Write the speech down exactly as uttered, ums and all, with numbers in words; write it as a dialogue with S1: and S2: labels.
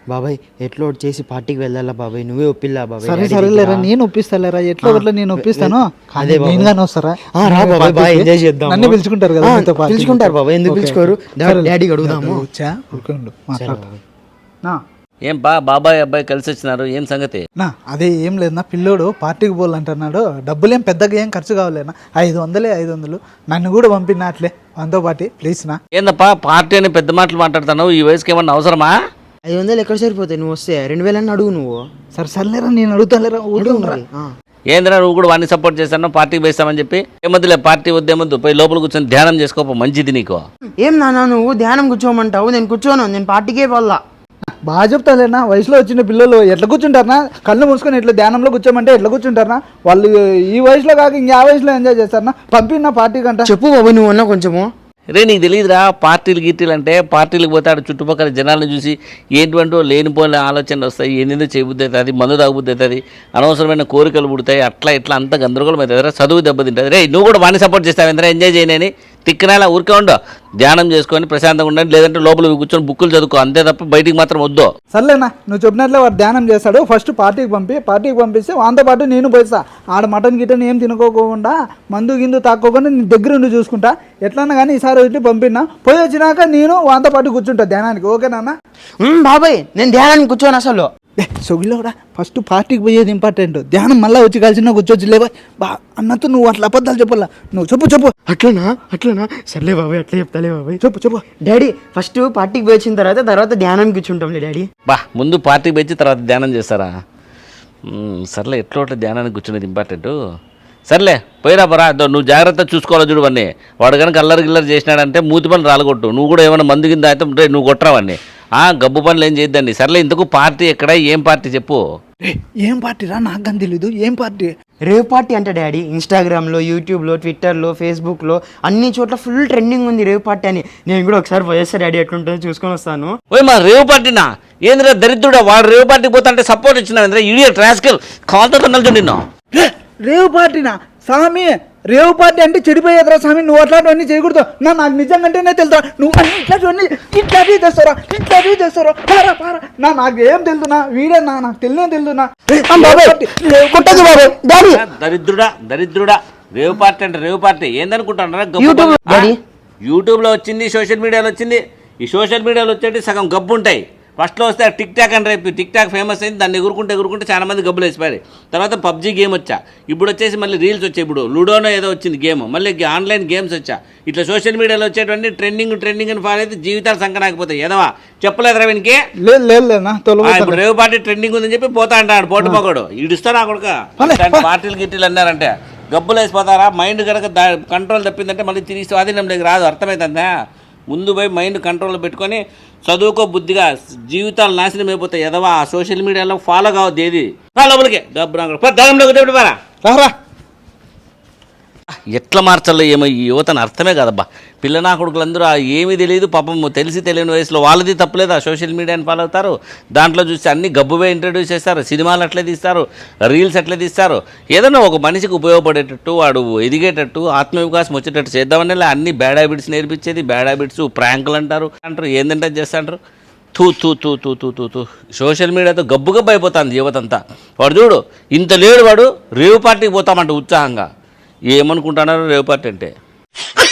S1: బాబాయ్ ఎట్లా ఒకటి చేసి పార్టీకి వెళ్ళాలా బాబాయ్, నువ్వే ఒప్పిల్లా బాబాయ్.
S2: సరే సరేలేరా, నేను ఒప్పిస్తాలేరా, ఎట్లా ఒకట్లా నేను ఒప్పిస్తాను.
S1: అదే
S2: నేను కానీ వస్తారా?
S1: రా బాబాయ్, బాగా ఎంజాయ్ చేద్దాం.
S2: నన్ను పిలుచుకుంటారు కదా,
S1: పిలుచుకుంటారు బాబాయ్, ఎందుకు పిలుచుకోరు? డాడీకి అడుగుదాము.
S3: ఏం బా బాబాయ్ అబ్బాయి కలిసి వచ్చినారు, ఏం సంగతి?
S2: నా అదే ఏం లేదు నా, పిల్లోడు పార్టీకి పోవాలంటున్నాడు. డబ్బులేం పెద్దగా ఏం ఖర్చు కావాలేనా, ఐదు వందలే ఐదు వందలు నన్ను కూడా పంపినా అట్లే మనతో పాటు ప్లీజ్ నా.
S3: ఏందప్పా పార్టీ అని పెద్ద మాటలు మాట్లాడుతున్నావు, ఈ వయసుకి ఏమన్నా అవసరమా?
S1: ఐదు వందలు ఎక్కడ సరిపోతాయి, నువ్వు వస్తే రెండు వేలన్నీ అడుగు నువ్వు.
S2: సరే సర్లేరా, నేను అడుగుతాలేరా.
S3: ఏంద్రా నువ్వు కూడా వాడిని సపోర్ట్ చేస్తాను, పార్టీకి వేస్తామని చెప్పి. ఏమొద్దులే పార్టీ వద్దేమొద్దు, పోయి లోపల కూర్చొని ధ్యానం చేసుకోపో, మంచిది నీకు.
S1: ఏం నాన్న నువ్వు ధ్యానం కూర్చోమంటావు, నేను కూర్చోను, నేను పార్టీకే పోల్లా.
S2: బాగా చెప్తాలేనా, వయసులో వచ్చిన పిల్లలు ఎట్లా కూర్చుంటారనా, కళ్ళు మూసుకొని ఎట్లా ధ్యానంలో కూర్చోమంటే ఎట్లా కూర్చుంటారనా? వాళ్ళు ఈ వయసులో కాక ఇంకా వయసులో ఎంజాయ్ చేస్తారనా? పంపిన పార్టీ కంట.
S1: చెప్పు బాబు నువ్వు అన్నా కొంచెము.
S3: రే నీకు తెలియదురా పార్టీలు గిట్టీలు అంటే, పార్టీలకు పోతాడు చుట్టుపక్కల జనాలను చూసి ఏంటంటూ లేనిపోయిన ఆలోచనలు వస్తాయి, ఏందో చేయబుద్ధి అవుతుంది, మందు తాగుబుద్ధి అవుతుంది, అనవసరమైన కోరికలు పుడతాయి, అట్లా ఇట్లా అంత గందరగోళం అవుతుంది, చదువు దెబ్బతింటుంది. రే నువ్వు కూడా వాడిని సపోర్ట్ చేస్తావు ఎందరా, ఎంజాయ్ చేయనని తిక్కనేలా ఊరికే ఉండు, ధ్యానం చేసుకొని ప్రశాంతంగా ఉండండి, లేదంటే లోపల కూర్చొని బుక్కులు చదువుకో, అంతే తప్ప బయటికి మాత్రం వద్దు.
S2: సర్లేనా, నువ్వు చెప్పినట్లే వాడు ధ్యానం చేస్తాడు, ఫస్ట్ పార్టీకి పంపి, పార్టీకి పంపిస్తే వాంతో పాటు నేను పోయిస్తా. ఆడ మటన్ గిటన్ ఏం తినుకోకుండా మందు గిందు తాక్కోకుండా నేను దగ్గర ఉండి చూసుకుంటా. ఎట్లన్నా కానీ ఈసారి వచ్చి పంపినా, పోయి వచ్చినాక నేను వాంతో పాటు కూర్చుంటా ధ్యానానికి. ఓకేనా
S1: బాబాయ్? నేను ధ్యానానికి కూర్చోను అసలు.
S2: సొగిలో కూడా ఫస్ట్ పార్టీకి పోయేది ఇంపార్టెంట్, ధ్యానం మళ్ళీ వచ్చి కలిసిన కూర్చోవచ్చు. లేవా బా అన్నట్టు నువ్వు అట్లా అబద్ధాలు చెప్పాలా, నువ్వు చెప్పు చెప్పు.
S1: అట్లనా అట్లనా సర్లే బాబాయ్, అట్లా చెప్తాలే బాబాయ్.
S2: చెప్పు చెప్పు.
S1: డాడీ ఫస్ట్ పార్టీకి పోయి వచ్చిన తర్వాత తర్వాత ధ్యానానికి కూర్చుంటాంలే డాడీ.
S3: బా ముందు పార్టీకి పోయి తర్వాత ధ్యానం చేస్తారా? సర్లే ఎట్లా ఒకటి ధ్యానానికి కూర్చునేది ఇంపార్టెంట్. సర్లే పోయిరా పరా, నువ్వు జాగ్రత్త చూసుకోవాలి చూడు వాడిని. వాడు కనుక అల్లరి గిల్లరి చేసినాడంటే మూతి పనులు రాలగొట్టు, నువ్వు కూడా ఏమైనా మందు కింద అయితే నువ్వు కొట్టరావాడిని. గబ్బు పనులు ఏం చేయొద్దండి. సర్లే ఇంతకు పార్టీ ఎక్కడ, ఏం పార్టీ చెప్పు.
S2: ఏం పార్టీ రా, నాకు కానీ తెలీదు. ఏం పార్టీ?
S1: రేవ్ పార్టీ అంటే డాడీ, ఇన్స్టాగ్రామ్లో, యూట్యూబ్లో, ట్విట్టర్లో, ఫేస్బుక్లో అన్ని చోట్ల ఫుల్ ట్రెండింగ్ ఉంది రేవ్ పార్టీ అని. నేను కూడా ఒకసారి పోయేస్తా డాడీ, ఎట్లుంటుందో చూసుకొని వస్తాను.
S3: ఓయ్ మా రేవ్ పార్టీనా? ఏంద్రా దరిద్రుడా, వాడు రేవ్ పార్టీకి పోతా అంటే సపోర్ట్ ఇచ్చినా ఇడియట్ రాస్కల్, కాల్తో తన్నలు నిన్ను.
S2: రేవ్ పార్టీనా స్వామి? రేవ్ పార్టీ అంటే చెడిపోయేదిరా స్వామి, నువ్వు అట్లాంటివన్నీ చేయకూడదు. నా నాకు నిజంగానే తెలుసా, నువ్వు అన్ని ఇట్లాంటివన్నీ ఇట్లాంటివి తెస్తారా, ఇట్లాంటివి తెస్తారా? పారా పారా నా, నాకు ఏం తెలుదునా, వీడే నా, నాకు తెలియనే తెలుదునా.
S3: దరిద్రుడా దరిద్రుడా, రేవ్ పార్టీ అంటే రేవ్ పార్టీ ఏందనుకుంటారా? యూట్యూబ్ లో వచ్చింది, సోషల్ మీడియాలో వచ్చింది. ఈ సోషల్ మీడియాలో వచ్చేటి సగం గబ్బు ఉంటాయి. ఫస్ట్లో వస్తే టిక్ టాక్ అని రేపు టిక్ టాక్ ఫేమస్ అయింది, దాన్ని ఎగురుకుంటే ఎగురుకుంటే చాలా మంది గబ్బులు వేసిపోయారు. తర్వాత పబ్జీ గేమ్ వచ్చా, ఇప్పుడు వచ్చేసి మళ్ళీ రీల్స్ వచ్చాయి, ఇప్పుడు లూడోనో ఏదో వచ్చింది గేమ్, మళ్ళీ ఆన్లైన్ గేమ్స్ వచ్చా. ఇట్లా సోషల్ మీడియాలో వచ్చేటువంటి ట్రెండింగ్ ట్రెండింగ్ అని ఫాలో అయితే జీవితాలు సంకనాకపోతాయి. ఏదవా చెప్పలేదురా వీనికి? ఇప్పుడు రేవు పార్టీ ట్రెండింగ్ ఉందని చెప్పి పోతా అంటాడు పోటు పోకడు, ఇడుస్తారా కొడుక. పార్టీలు గిట్టీలు అన్నారంటే గబ్బులు వేసిపోతారా? మైండ్ కనుక కంట్రోల్ తప్పిందంటే మళ్ళీ తిరిగి స్వాధీనం దగ్గర రాదు, అర్థమవుతుందా? ముందు పోయి మైండ్ కంట్రోల్లో పెట్టుకొని చదువుకో బుద్ధిగా, జీవితాలు నాశనం అయిపోతాయి. ఎదవా సోషల్ మీడియాలో ఫాలో కావద్దు ఏది. లోపలికి డబ్బులోకి రారా. ఎట్లా మార్చాలో ఏమో ఈ యువతను అర్థమే కదబ్బా. పిల్లనా కొడుకులందరూ ఏమీ తెలియదు పాపం, తెలిసి తెలియని వయసులో వాళ్ళది తప్పలేదు. ఆ సోషల్ మీడియాని ఫాలో అవుతారు, దాంట్లో చూసి అన్ని గబ్బువే ఇంట్రడ్యూస్ చేస్తారు, సినిమాలు అట్లే తీస్తారు, రీల్స్ అట్లే తీస్తారు. ఏదన్నా ఒక మనిషికి ఉపయోగపడేటట్టు, వాడు ఎదిగేటట్టు, ఆత్మవికాసం వచ్చేటట్టు చేద్దామని అన్ని బ్యాడ్ హ్యాబిట్స్ నేర్పించేది. బ్యాడ్ హ్యాబిట్స్ ప్రాంకులు అంటారు అంటారు, ఏందంటే చేస్తాంటారు. తూ తూ తూ తూ తూ తూ తూ సోషల్ మీడియాతో గబ్బు గబ్బు అయిపోతుంది యువతంతా. వాడు చూడు ఇంత లేడు, వాడు రేవు పార్టీకి పోతామంట ఉత్సాహంగా. ఏమనుకుంటున్నారు రేవు పార్టీ అంటే?